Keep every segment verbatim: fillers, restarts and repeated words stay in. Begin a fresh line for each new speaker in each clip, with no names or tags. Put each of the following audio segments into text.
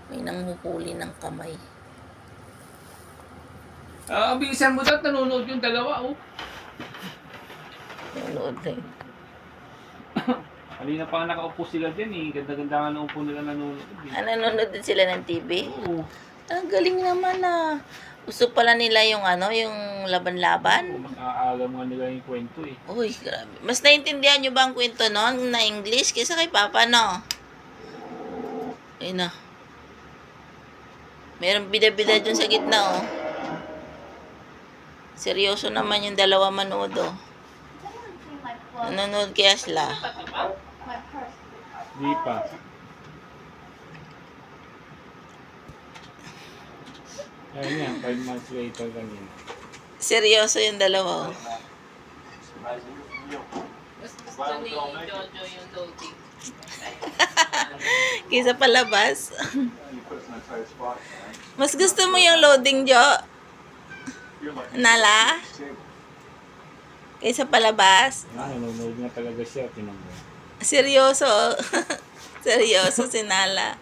May nanghuhuli ng kamay.
Ah, ang bilisan mo daw, nanonood yung dalawa, oh.
Nanonood na yun.
Kanina pa nga nakaupo sila dyan, eh. Ganda-ganda nga naupo nila nanonood. Eh.
Ah, nanonood din sila ng T V?
Oo.
Ang galing naman ah. Gusto pala nila yung ano, yung laban-laban.
Oo, mas aalam nga nila yung kwento, eh.
Uy, grabe. Mas naintindihan nyo ba ang kwento noon na English kaysa kay Papa, no? Ayun na. Merong bida-bida dyan sa gitna, oh. Seryoso naman yung dalawa manood, oh. Nanonood kay Asla.
Di pa. Ayun yan, five months later lang yun.
Seryoso yung dalawa, oh.
Mas gusto ni Jojo yung loading.
Kaysa palabas. Mas gusto mo yung loading, Jo? Nala? Kaysa palabas?
Ah, nanonood nga talaga siya, tinong mo.
Seryoso. Seryoso si Nala.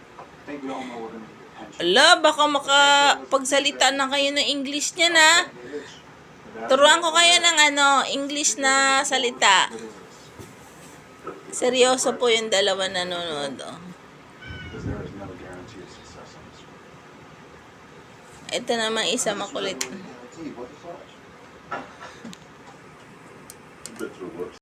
Ala, baka makapagsalita na kayo ng English niya na. Turuan ko kayo ng ano, English na salita. Seryoso po yung dalawa nanonood. Oh. Ito naman isa makulit.